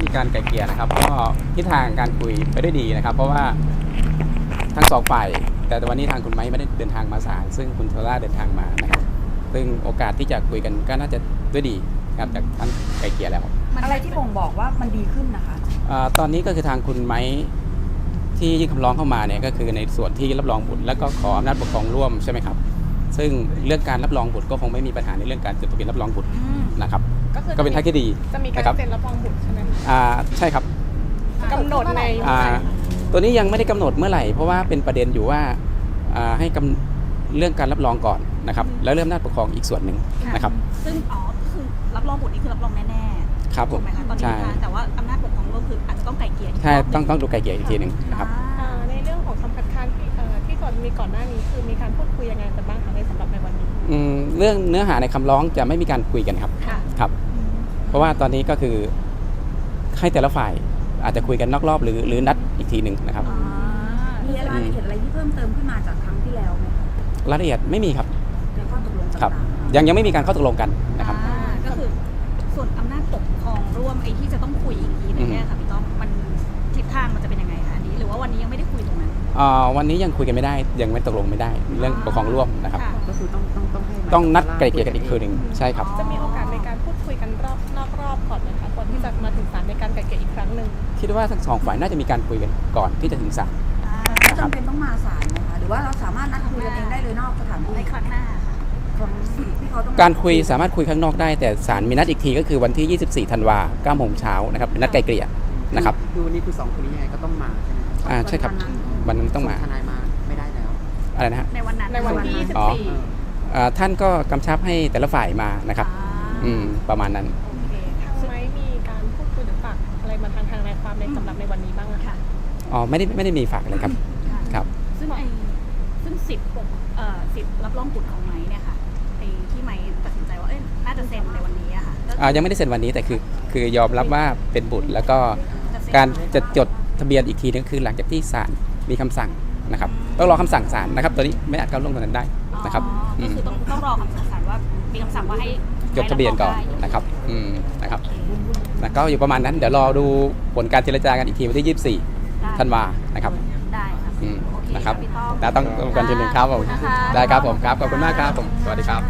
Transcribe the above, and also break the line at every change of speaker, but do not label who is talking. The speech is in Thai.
การไกล่เกลี่ยนะครับก็ทิศทางการคุยไปได้ดีนะครับเพราะว่าทั้งสองฝ่ายแต่วันนี้ทางคุณไม้ไม่ได้เดินทางมาศาลซึ่งคุณโทล่าเดินทางมานะครับซึ่งโอกาสที่จะคุยกันก็น่าจะด้วยดีครับจากท่านไกล่เกลี่ยแล้ว
อะไรที่บ่งบอกว่ามันดีขึ้นนะคะ
ตอนนี้ก็คือทางคุณไม้ที่ยื่นคำร้องเข้ามาเนี่ยก็คือในส่วนที่รับรองบุตรแล้วก็ขออำนาจปกครองร่วมใช่ไหมครับซึ่งเรื่องการรับรองบุตรก็คงไม่มีปัญหาในเรื่องการจดทะเบียนรับรองบุตรนะครับก็เป็นทางที่ดี
จะมีการเซ็นรับรองบุตรใช่ไหม
ใช่ครับ
กำหนดใน
ตัวนี้ยังไม่ได้กำหนดเมื่อไหร่เพราะว่าเป็นประเด็นอยู่ว่าให้เรื่องการรับรองก่อนนะครับแล้วเริ่มอำนาจปกครองอีกส่วนหนึ่งนะครับ
ซึ่งคือรับรองบุตรนี่คือรับรองแน่ๆ
ครับผม
ถูกไหมคะตอนนี้แต่ว่าอำนาจปกครองร่วมคืออาจจะต้องไกล่เกลี่ย
ใช่ต้องดูไกล่เกลี่ยอีกทีหนึ่งนะครับ
ในเรื่องของคำคัดค้านที่ก่อนมีก่อนหน้านี้คือมีการพูดคุยยังไงกันบ้างคะในสำหรับในวันนี้
เรื่องเนื้อหาในคำร้องจะไม่มีการคุยกันครับครับเพราะว่าตอนนี้ก็คือให้แต่ละฝ่ายอาจจะคุยกันนอกรอบหรือนัดอีกทีหนึ่งนะครับ
มีรายละเอียดอะไรที่เพิ่มเติมขึ้นมาจากครั้งที่แล้วไหมคะ
รายละเอียดไม่มีครับ
ในข้อตกลง
ครับยังไม่มีการข้อตกลงกันนะครับ
ก็คือส่วนอำนาจปกครองร่วมไอ้ที่จะต้องคุยอีกทีนึงเนี่ยค่ะพี่ต้อมมันทิศทางมันจะเป็นยังไงคะอันนี้หรือว่าวันนี้ยังไม่ได้คุยตรงนั้น
วันนี้ยังคุยกันไม่ได้ยังไม่ตกลงไม่ได้เรื่องปกครองร่วมนะครับ
ก็คือ
ต้องนัดไกล่เกลี่ยกันอีกคืนหนึ่งใช่ครับ
จะมีโอกาสในการพูดคุยกันนอกรอบก่อนไหมคะก่อนที่จะมาถึงศาลในการไกล่เกลี่ยอีกครั้งหนึ่ง
คิดว่าทั้งสองฝ่ายน่าจะมีการคุยกันก่อนที่จะถึงศาล
จำเป็นต้องมาศาลไหมคะหรือว่าเราสามารถนัดคุยกันเองได้เลยนอกสถานที่ในครั้งหน้า
การคุยสามารถคุยข้างนอกได้แต่ศาลมีนัดอีกทีก็คือวันที่ 24 ธันวาคม 9 โมงเช้านะครับเป็นนัดไกล่เกลี่ยนะครับ
คือวันนี้คือ2คนนี้ยังไงก็ต้องมาใช่ไหม
ใช่ครับวันนั้นต้องมา
ทนายมาไม่ได้แล้ว
อะไรนะฮะ
ในวันที่
24ท่านก็กำชับให้แต่ละฝ่ายมานะครับประมาณนั้น
ทางไม้มีการพูดคุยหรือฝากอะไรมาทางนายความในสำหรับในวันนี้บ้างคะ
ไม่ได้มีฝากเลยครับครับ
ซึ่งสิทธิ์รับรองบุตรของไม้เนี่ยค่ะที่ไม้ตัดสินใจว่าน่าจะเซ็นในวันนี้อะค่ะ
ยังไม่ได้เซ็นวันนี้แต่คือยอมรับว่าเป็นบุตรแล้วก็การจะจดทะเบียนอีกทีนึงคือหลังจากที่ศาลมีคำสั่งนะครับต้องรอคำสั่งศาลนะครับตอนนี้ไม่อาจก้าวล่วงตรงนั้นได้นะครับ
ก็คือต้องรอคำสั่งศาลว่ามีคำสั่งว่าให้
จดทะเบียนก่อนนะครับนะครับแล้วก็อยู่ประมาณนั้นเดี๋ยวรอดูผลการเจรจากันอีกทีวันที่ 24 ธันวานะครับ
ได้ครับ
นะครับต้องกันทีหนึ่งครับผมได้ครับผมครับขอบคุณมากครับผมสวัสดีครับ